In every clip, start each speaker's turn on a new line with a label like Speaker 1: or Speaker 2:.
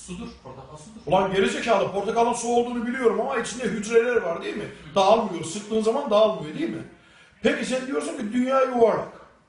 Speaker 1: Sudur. Portakal sudur.
Speaker 2: Ulan gerizekalı, portakalın su olduğunu biliyorum ama içinde hücreler var değil mi? Dağılmıyor. Sıktığın zaman dağılmıyor değil mi? Peki sen diyorsun ki dünya yuvarlak.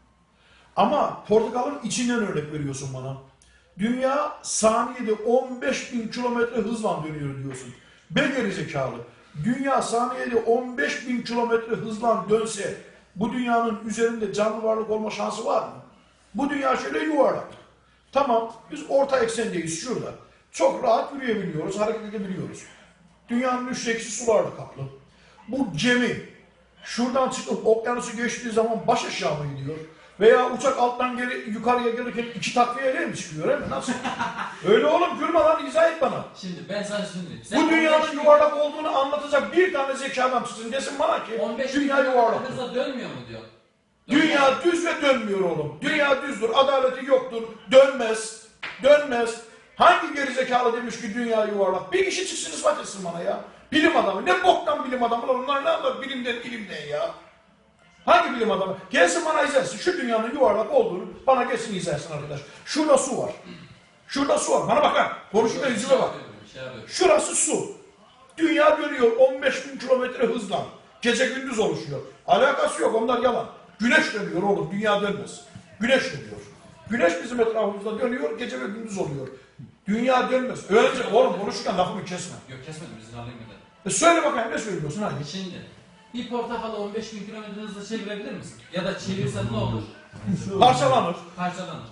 Speaker 2: Ama portakalın içinden örnek veriyorsun bana. Dünya saniyede 15.000 kilometre hızla dönüyor diyorsun. Be gerizekalı. Dünya saniyede 15.000 kilometre hızla dönse bu dünyanın üzerinde canlı varlık olma şansı var mı? Bu dünya şöyle yuvarlak. Tamam, biz orta eksendeyiz şurada. Çok rahat yürüyebiliyoruz, hareket edebiliyoruz. Dünyanın üçte ikisi sularla kaplı. Bu gemi şuradan çıkıp okyanusu geçtiği zaman baş aşağı mı gidiyor? Veya uçak alttan yukarıya gelirken iki takviyeyle mi çıkıyor, öyle mi? Nasıl? Öyle oğlum, gülme lan, izah et bana.
Speaker 1: Şimdi ben sana söyleyeyim.
Speaker 2: Bu dünyanın yuvarlak olduğunu anlatacak bir tane zeki adam çıksın desin bana ki
Speaker 1: 15
Speaker 2: dünya yuvarlak.
Speaker 1: hızla dönmüyor mu diyor.
Speaker 2: Dünya düz ve dönmüyor oğlum. Dünya düzdür, adaleti yoktur, dönmez, dönmez. Hangi gerizekalı demiş ki dünya yuvarlak? Bir kişi çıksın ispat etsin bana ya. Bilim adamı, ne boktan bilim adamı lan, onlar ne anlar bilimden ilimden ya. Hangi bilim adamı? Gelsin bana izlersin, şu dünyanın yuvarlak olduğunu bana gelsin izlersin arkadaş. Şurada su var. Şurada su var, bana bak lan, konuşurken yüzüme bak. Şurası su. Dünya dönüyor 15.000 kilometre hızla. Gece gündüz oluşuyor. Alakası yok, onlar yalan. Güneş dönüyor oğlum, dünya dönmez. Güneş dönüyor. Güneş bizim etrafımızda dönüyor, gece ve gündüz oluyor. Dünya dönmez. Öylece oğlum konuşurken lafımı kesme.
Speaker 1: Yok kesmedim, izin alayım bir de.
Speaker 2: Söyle bakayım, ne söylüyorsun hadi.
Speaker 1: Şimdi bir portakalı 15.000 kilometre hızla çevirebilir misin? Ya da çevirsen ne olur?
Speaker 2: Parçalanır.
Speaker 1: Parçalanır.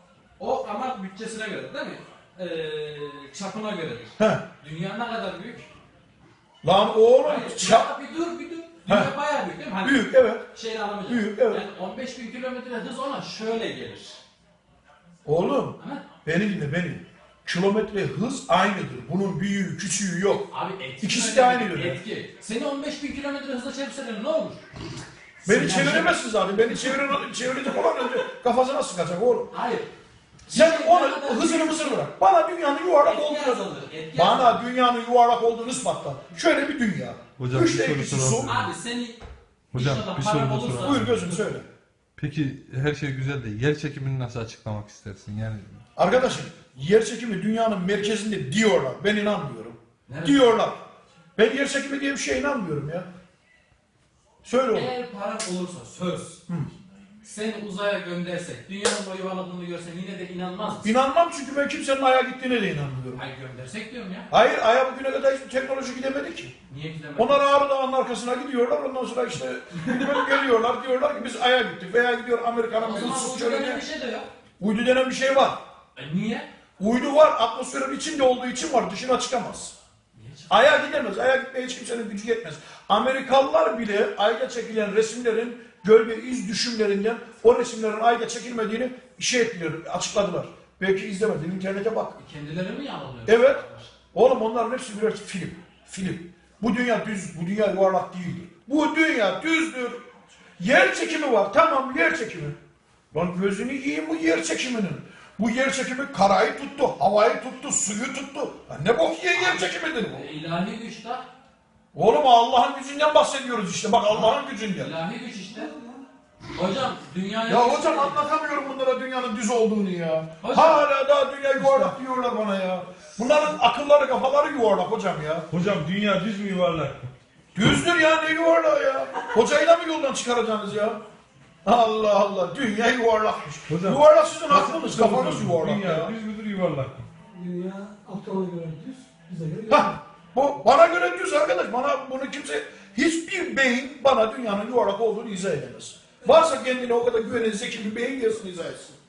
Speaker 1: O ama bütçesine göre değil mi? Çapına göredir.
Speaker 2: He.
Speaker 1: Dünya ne kadar büyük?
Speaker 2: Lan oğlum,
Speaker 1: Hayır, bir dur. Dünya bayağı büyük değil mi? Hani
Speaker 2: büyük, evet.
Speaker 1: Şeyini alamayacağım.
Speaker 2: Büyük, evet.
Speaker 1: Yani 15.000 kilometre hız ona şöyle gelir.
Speaker 2: Oğlum,
Speaker 1: Ha?
Speaker 2: beni dinle beni. Kilometre hız aynıdır. Bunun büyüğü, küçüğü yok.
Speaker 1: Abi etki.
Speaker 2: İkisi de aynı dönem.
Speaker 1: Etki. Seni 15.000 kilometre hızla çevirseler ne olur?
Speaker 2: Beni çeviremezsin zaten. Beni çevirecek olan önce kafasına sıkacak oğlum.
Speaker 1: Hayır.
Speaker 2: Sen onu hızını mısır bırak. Bana dünyanın yuvarlak olduğunu Bana dünyanın yuvarlak olduğunu ispatla. Şöyle bir dünya.
Speaker 3: Hocam,
Speaker 2: Üçte
Speaker 3: bir
Speaker 2: ikisi
Speaker 3: soru
Speaker 2: su.
Speaker 1: Abi seni
Speaker 3: Hocam,
Speaker 1: inşallah
Speaker 3: bir
Speaker 1: param
Speaker 3: soru da
Speaker 1: olursa-
Speaker 3: soralım.
Speaker 2: Buyur gözüm söyle.
Speaker 3: Peki her şey güzel de yer çekimini nasıl açıklamak istersin? Yani
Speaker 2: Arkadaşım, yer çekimi dünyanın merkezinde diyorlar. Ben inanmıyorum.
Speaker 1: Nerede?
Speaker 2: Diyorlar. Ben yer çekimi diye bir şeye inanmıyorum ya. Söyle oğlum.
Speaker 1: Eğer param olursa söz. Seni uzaya göndersek, dünyanın o yuvarladığını görsen yine de inanmaz mısın?
Speaker 2: İnanmam çünkü ben kimsenin Ay'a gittiğine de inanmıyorum.
Speaker 1: Hayır göndersek diyorum ya.
Speaker 2: Hayır, Ay'a bugüne kadar hiçbir teknoloji gidemedi ki.
Speaker 1: Niye gidemedin?
Speaker 2: Onlar Ağrı Dağı'nın arkasına gidiyorlar, ondan sonra işte gidip geliyorlar, diyorlar ki biz Ay'a gittik veya gidiyor Amerika'nın
Speaker 1: O
Speaker 2: bir
Speaker 1: zaman
Speaker 2: ıssız
Speaker 1: bu dönem
Speaker 2: çölüne.
Speaker 1: bir şey de yok.
Speaker 2: Uydu denen bir şey var.
Speaker 1: Niye?
Speaker 2: Uydu var, atmosferin içinde olduğu için var, dışına çıkamaz.
Speaker 1: Niye çık-
Speaker 2: Ay'a gidemez, Ay'a gitmeye hiç kimsenin gücü yetmez. Amerikalılar bile Ay'da çekilen resimlerin gölge iz düşümlerinden o resimlerin Ay'da çekilmediğini açıkladılar. Belki izlemedin, internete bak.
Speaker 1: Kendileri mi yalanıyor?
Speaker 2: Evet. Oğlum onların hepsi birer film. Film. Bu dünya düz, bu dünya yuvarlak değildir. Bu dünya düzdür. Yer çekimi var. Tamam, yer çekimi. Lan gözünü yiyeyim bu yer çekiminin. Bu yer çekimi karayı tuttu, havayı tuttu, suyu tuttu. Lan ne bok yiyen yer çekimidir bu?
Speaker 1: İlahi güç de.
Speaker 2: Oğlum Allah'ın gücünden bahsediyoruz işte. Bak Allah'ın gücünden.
Speaker 1: İlahi güç işte. Hocam dünyaya...
Speaker 2: Ya hocam anlatamıyorum bunlara dünyanın düz olduğunu ya.
Speaker 1: Hocam.
Speaker 2: Hala daha dünya yuvarlak diyorlar bana ya. Bunların akılları kafaları yuvarlak hocam ya.
Speaker 4: Hocam dünya düz mü yuvarlak?
Speaker 2: Düzdür ya, ne yuvarlağı ya. Hocayı da mı yoldan çıkaracaksınız ya? Allah Allah, dünya yuvarlakmış.
Speaker 4: Hocam,
Speaker 2: Yuvarlak sizin aklınız, kafanız yuvarlak
Speaker 4: dünya
Speaker 2: ya.
Speaker 4: düz müdür yuvarlak mı?
Speaker 5: Dünya Aptal'a göre düz, bize göre
Speaker 2: Hah, bu bana göre düz arkadaş. Bana bunu kimse, hiçbir beyin bana dünyanın yuvarlak olduğunu izah edemez. Varsa kendine o kadar güvenen zeki bir beyin gelsin izah etsin.